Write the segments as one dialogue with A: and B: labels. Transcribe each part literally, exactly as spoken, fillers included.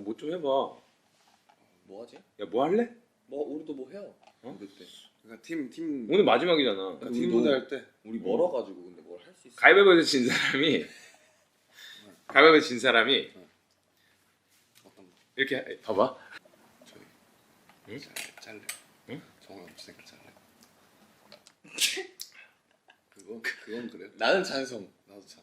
A: 뭐 좀 해봐.
B: 뭐 하지?
A: 야 뭐 할래?
B: 뭐 우리도 뭐 해요.
A: 어?
B: 그때
C: 그러니까 팀 팀
A: 오늘 마지막이잖아.
C: 그러니까 팀 무대 할 때
B: 우리 멀어가지고 근데 뭘 할 수 있어?
A: 가위바위보에서 진 사람이 가위바위보에서 진 사람이
C: 어떤 거?
A: 이렇게 해- 봐봐.
C: 저희
A: 응?
C: 잘 잘래.
A: 응?
C: 정원 없으니까 잘래. 그거 그건 그래.
B: 나는 찬성.
C: 나도 찬성.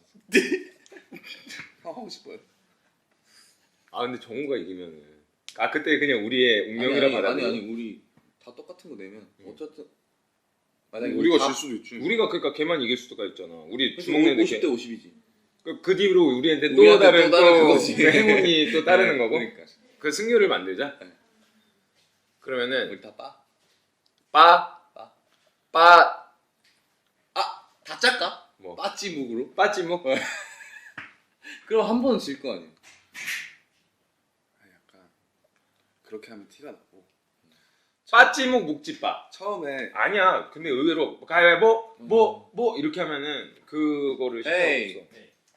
C: 형 하고 싶어요.
A: 아 근데 정우가 이기면은 아 그때 그냥 우리의 운명이라
B: 아니, 아니,
A: 받아들여.
B: 아니 아니 우리 다 똑같은 거 내면
A: 응.
B: 어쨌든 만약에
C: 우리가
B: 다
C: 질 수도 있지.
A: 우리가 그러니까 걔만 이길 수가 있잖아. 우리
B: 그래서
A: 주먹 내는
B: 오십 대
A: 게.
B: 오십이지.
A: 그, 그 뒤로 우리한테 또
B: 우리한테
A: 다른
B: 또 다른
A: 또
B: 그거지.
A: 그 행운이 또 따르는
B: 네,
A: 거고.
B: 그러니까
A: 그 승률을 만들자.
B: 네.
A: 그러면은
B: 우리 다 빠.
A: 빠,
B: 빠.
A: 빠,
B: 아, 다 짤까?
A: 뭐
B: 빠찌묵으로?
A: 빠찌목.
B: 그럼 한 번은 질 거 아니야.
C: 아니, 약간 그렇게 하면 티가 나고.
A: 빠찌목 묵찌빠.
C: 처음에
A: 아니야. 근데 의외로 가위바위보 뭐 뭐 이렇게 하면은 그거를 시켜
B: 에이.
A: 없어.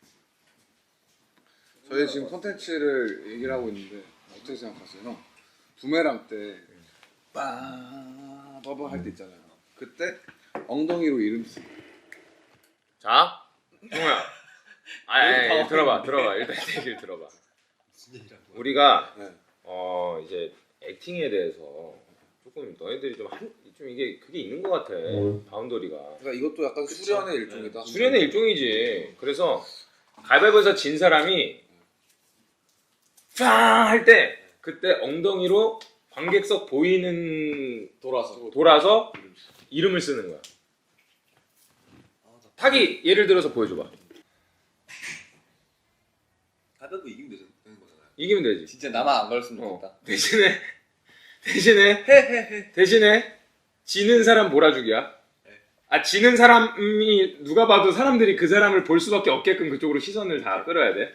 C: 저희 지금 콘텐츠를 얘기를 하고 있는데 어떻게 생각하세요, 형? 부메랑 때 빠바바 할 때 있잖아요. 그때 엉덩이로 이름 쓰.
A: 자, 종호야. 아, 아니, 아니, 들어봐, 들어봐. 일단 얘기를 들어봐. 우리가
C: 네.
A: 어 이제 액팅에 대해서 조금 너희들이 좀 한 좀 이게 그게 있는 것 같아. 바운더리가.
C: 그러니까 이것도 약간 수련의 일종이다.
A: 수련의 일종이지. 그래서 가위바위보에서 진 사람이 팡 할 때 그때 엉덩이로 관객석 보이는
B: 돌아서.
A: 돌아서 이름을 쓰는 거야. 타기 예를 들어서 보여줘봐.
B: 가볍고 이기면 되는 거잖아요.
A: 이기면 되지.
B: 진짜 나만 안 걸렸으면
A: 어.
B: 좋겠다.
A: 대신에 대신에 대신에 지는 사람 몰아주기야. 아 지는 사람이 누가 봐도 사람들이 그 사람을 볼 수밖에 없게끔 그쪽으로 시선을 다 끌어야 돼.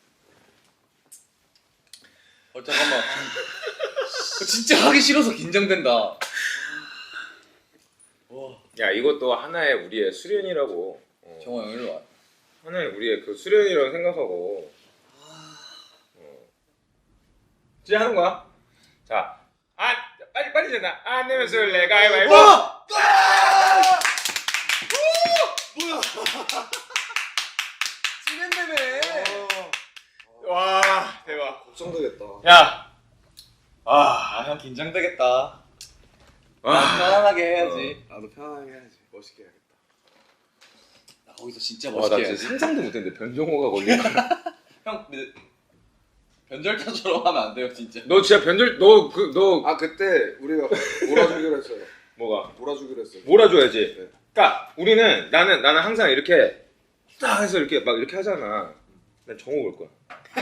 B: 어 잠깐만. 진짜 하기 싫어서 긴장된다. 와.
A: 야 이것도 하나의 우리의 수련이라고. 어.
B: 정호 형 일로 와.
A: 하나의 우리의 그 수련이라고 생각하고. 어. 이제 하는 거야. 자, 아 빨리 빨리 잖아. 안 내면 술래 가위바위보.
B: 뭐야? 진행되네.
A: 와 대박.
C: 걱정되겠다.
A: 야.
B: 아, 형 긴장되겠다.
A: 와.
B: 난 편안하게 해야지.
C: 나도 편하게 해야지. 멋있게 해야겠다.
B: 나 거기서 진짜
A: 와, 나
B: 멋있게
A: 진짜
B: 해야지.
A: 상상도 못했는데 변종호가 걸릴 거야.
B: 형, 근데 변절자처럼 하면 안 돼요, 진짜.
A: 너 진짜 변절 너 그 너
C: 아 그때 우리가 몰아주기로 했어요.
A: 뭐가
C: 몰아주기로 했어요.
A: 몰아줘야지.
C: 네.
A: 그러니까 우리는 나는 나는 항상 이렇게 딱 해서 이렇게 막 이렇게 하잖아. 난 정호 볼 거야.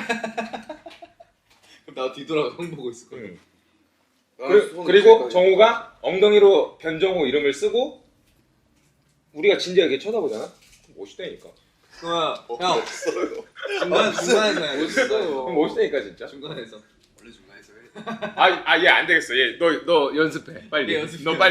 B: 그럼 나 뒤돌아서 형 보고 있을 거야.
A: 응.
C: 나는
A: 그,
C: 손
A: 그리고
C: 있을까?
A: 정호가 엉덩이로 변정호 이름을 쓰고 우리가 진지하게 쳐다보잖아. 멋있다니까.
B: 그러면
C: 어,
B: 형
C: 없어요.
B: 중간 중간에서 해야 돼.
C: 멋있어요.
A: 그럼 멋있다니까 진짜.
B: 중간에서.
C: 원래 중간에서 해.
A: 아아 얘 안 되겠어. 얘 너 너 연습해. 빨리.
B: 네, 연습해.
A: 너 빨리.